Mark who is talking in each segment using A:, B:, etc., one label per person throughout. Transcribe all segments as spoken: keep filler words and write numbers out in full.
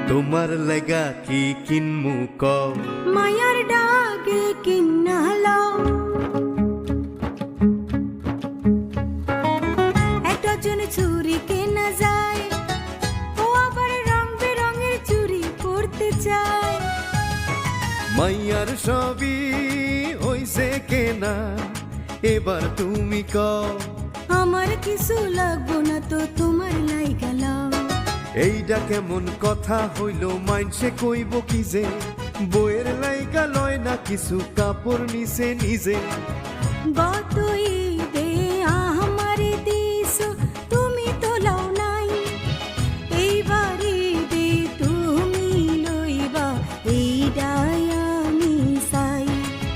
A: তোমার লাগা কি কিনমু কও
B: মায়ার ডাকে কিন্না লও এক ডজন চুরি কেনা যায় ও আবার রং বেরঙের চুরি পরতে চায়
A: মাইয়ার সবই হইছে কেনা এবার তুমি কও
B: আমার কিছু লাগবো না তো তোমার লাইগা লও
A: এইটা কেমন কথা হইল মাইনসে কইব কি যে বইয়ের লাইগা লয় না কিছু কাপড় নিছে নিজে
B: গত ঈদে আমারে দিছো তুমি তো লও নাই এইবার ঈদে তুমি লইবা এইডাই আমি চাই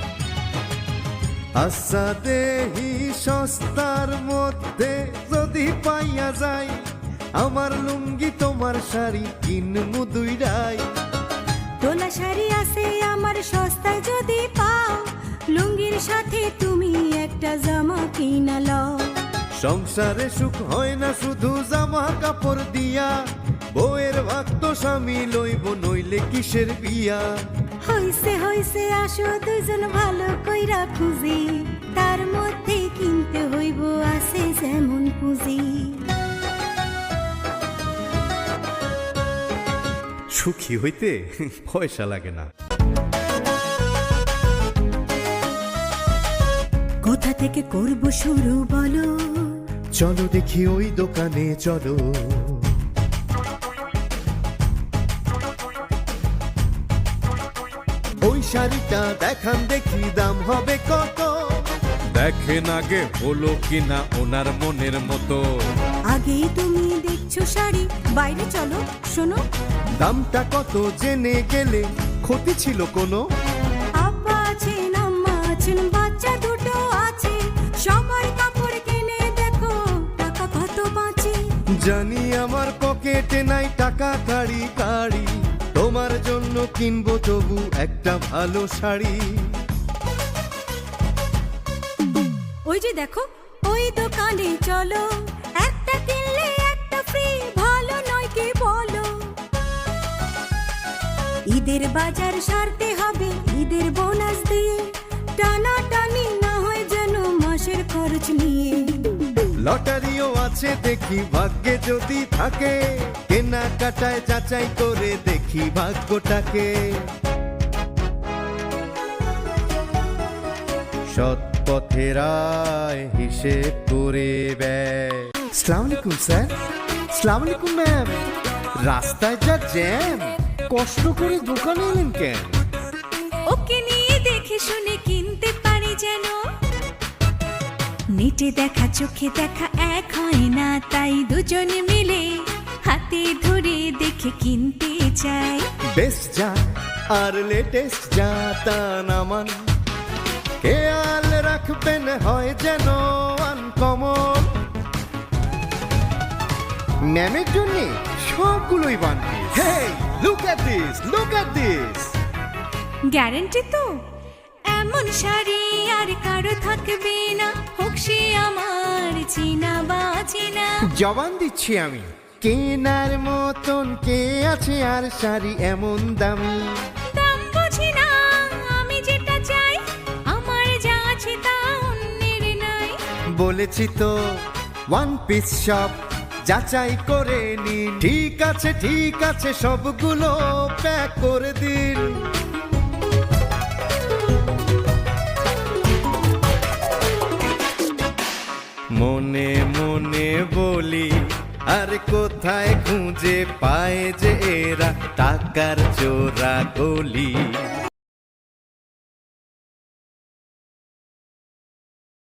A: আচ্ছা দেহি সস্তার মধ্যে যদি পাইয়া যায় আমার লুঙ্গি তোমার শাড়ি কিনমু দুইটাই
B: তোলা শাড়ি আছে আমার সস্তায় যদি পাও লুঙ্গির সাথে তুমি একটা জামা কিনা লও
A: সংসারে সুখ হয় না শুধু জামা কাপড় দিয়া বউয়ের ভাগ তো স্বামী লইব নইলে কিসের বিয়া
B: হইছে হইছে আসো দুজন ভালো কইরা খুঁজি তার মধ্যে কিনতে হইব আছে যেমন পুঁজি
A: সুখী হইতে পয়সা লাগে না
B: কোথা থেকে করব শুরু বলো
A: চলো দেখি ওই দোকানে চলো ওই শাড়িটা দেখান দেখি দাম হবে কত দেখেন আগে হলো কিনা ওনার মনের মতো
B: আগেই তুমি দেখছো শাড়ি বাইরে চলো শোনো
A: দামটা কত জেনে গেলে ক্ষতি ছিল কোনো
B: আব্বা আছেন আম্মা আছেন বাচ্চা দুটো আছে সবার কাপড় কিনে দেখো টাকা কত বাঁচে
A: জানি আমার পকেটে নাই টাকা কাড়ি কাড়ি তোমার জন্য কিনবো তবু একটা ভালো শাড়ি
B: ওই যে দেখো ওই দোকানে চলো একটা কিনলে একটা ফ্রি ভালো নয় কি বলো ঈদের বাজার সারতে হবে ঈদের বোনাস দিয়ে টানা টানি না হয় যেন মাসের খরচ নিয়ে
A: লটারিও আছে দেখি ভাগ্যে যদি থাকে কেনাকাটায় যাচাই করে দেখি ভাগ্যটাকে সৎ পথের আয় হিসেব করে ব্যয় আসসালামু আলাইকুম স্যার আসসালামু আলাইকুম ম্যাম রাস্তায় যা জ্যাম কষ্ট করে দোকানে এলেন কেন
B: ওকে নিয়ে দেখে শুনে কিনতে পারি যেন নেটে দেখা চোখে দেখা এক হয় না তাই দুজনে মিলে হাতে ধরে দেখে কিনতে চাই
A: বেস্ট যা আর লেটেস্ট যা তা নামান খেয়াল রাখবেন হয় যেন আনকমন ম্যামের জন্য সবগুলোই বানবি hey look at this look at this
B: guarantee তো এমন শাড়ি আর কারো থাকবে না হোক সে আমার চিনা বা চিনা
A: জবান দিচ্ছি আমি কেনার মতন কে আছে আর শাড়ি এমন দামি
B: দাম বুঝি না আমি যেটা চাই আমার যা আছে তা অন্যের নাই
A: বলেছি তো ওয়ান পিস শপ যাচাই করে নিন ঠিক আছে ঠিক আছে সবগুলো প্যাক করে দিন মনে মনে বলি আর কোথায় খুঁজে পায় যে এরা টাকার চোরা গলি